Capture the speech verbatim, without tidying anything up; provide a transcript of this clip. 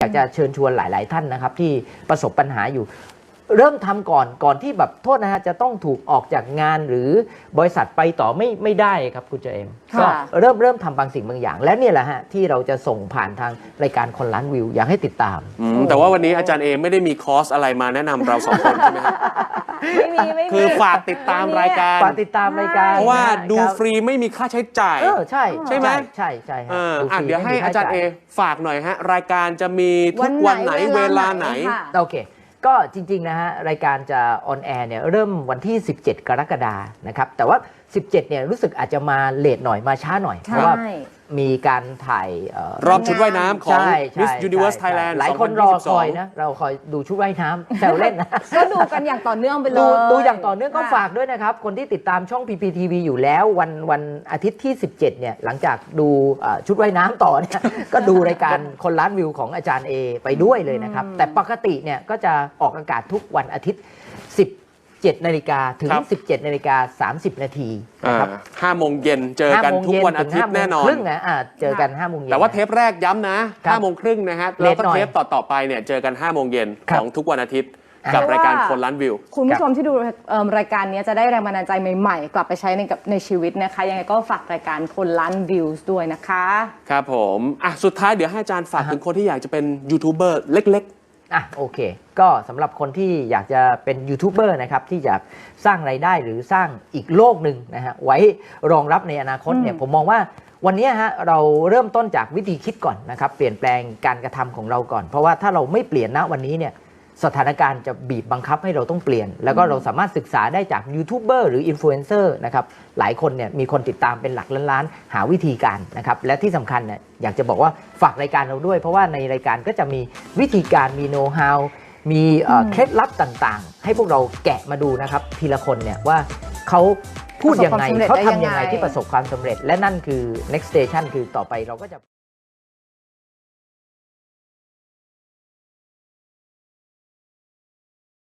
อยากจะเชิญชวนหลายๆท่านนะครับที่ประสบปัญหาอยู่เริ่มทำก่อนก่อนที่แบบโทษนะฮะจะต้องถูกออกจากงานหรือบริษัทไปต่อไม่ไม่ได้ครับคุณเจเอมก็เริ่มเริ่มทำบางสิ่งบางอย่างและเนี่ยแหละฮะที่เราจะส่งผ่านทางรายการคนล้านวิวอยากให้ติดตามแต่ว่าวันนี้อาจารย์เอไม่ได้มีคอร์สอะไรมาแนะนำเราสองคนใช่ไหมครับไม่มีไม่มีคือฝากติดตามรายการฝากติดตามรายการเพราะว่าดูฟรีไม่มีค่าใช้จ่ายเออใช่ใช่ไหมใช่ใช่ฮะเดี๋ยวให้อาจารย์เอฝากหน่อยฮะรายการจะมีทุกวันไหนเวลาไหนโอเคก็จริงๆนะฮะรายการจะออนแอร์เนี่ยเริ่มวันที่สิบเจ็ดกรกฎาคมนะครับแต่ว่าสิบเจ็ดเนี่ยรู้สึกอาจจะมาเลทหน่อยมาช้าหน่อยเพราะว่ามีการถ่ายรอบชุดว่ายน้ำของ Miss Universe Thailand หลายคนรอคอยนะเราคอยดูชุดว่ายน้ำแซวเล่นนะก็ดูกันอย่างต่อเนื่องไปเลยดูอย่างต่อเนื่องก็ฝากด้วยนะครับคนที่ติดตามช่อง พี พี ที วี อยู่แล้ววันวันอาทิตย์ที่สิบเจ็ดเนี่ยหลังจากดูชุดว่ายน้ำต่อเนี่ยก็ดูรายการคนล้านวิวของอาจารย์เอไปด้วยเลยนะครับแต่ปกติเนี่ยก็จะออกอากาศทุกวันอาทิตย์สิบเจ็ดนาฬิกาถึงสิบเจ็ดนาฬิกาสามสิบนาทีนะครับห้าโมงเย็นเจอกันทุกวันอาทิตย์แน่นอนครึ่งนะเจอกันห้าโมงเย็นแต่ว่าเทปแรกย้ำนะห้าโมงครึ่งนะฮะแล้วก็เทปต่อๆไปเนี่ยเจอกันห้าโมงเย็นของทุกวันอาทิตย์กับรายการคนล้านวิวคุณผู้ชมที่ดูรายการนี้จะได้แรงบันดาลใจใหม่ๆกลับไปใช้ในกับในชีวิตนะคะยังไงก็ฝากรายการคนล้านวิวด้วยนะคะครับผมอ่ะสุดท้ายเดี๋ยวให้อาจารย์ฝากถึงคนที่อยากจะเป็นยูทูบเบอร์เล็กอ่ะโอเคก็สำหรับคนที่อยากจะเป็นยูทูบเบอร์นะครับที่อยากสร้างไรายได้หรือสร้างอีกโลกหนึ่งนะฮะไว้รองรับในอนาคตเนี่ยผมมองว่าวันนี้ฮะเราเริ่มต้นจากวิธีคิดก่อนนะครับเปลี่ยนแปลงการกระทำของเราก่อนเพราะว่าถ้าเราไม่เปลี่ยนณวันนี้เนี่ยสถานการณ์จะบีบบังคับให้เราต้องเปลี่ยนแล้วก็เราสามารถศึกษาได้จากยูทูบเบอร์หรืออินฟลูเอนเซอร์นะครับหลายคนเนี่ยมีคนติดตามเป็นหลักล้านๆหาวิธีการนะครับและที่สำคัญเนี่ยอยากจะบอกว่าฝากรายการเราด้วยเพราะว่าในรายการก็จะมีวิธีการมีโน้ตฮาวมีเคล็ดลับต่างๆให้พวกเราแกะมาดูนะครับทีละคนเนี่ยว่าเขาพูดยังไงเขาทำยังไงที่ประสบความสำเร็จและนั่นคือ next station คือต่อไปเราก็จะ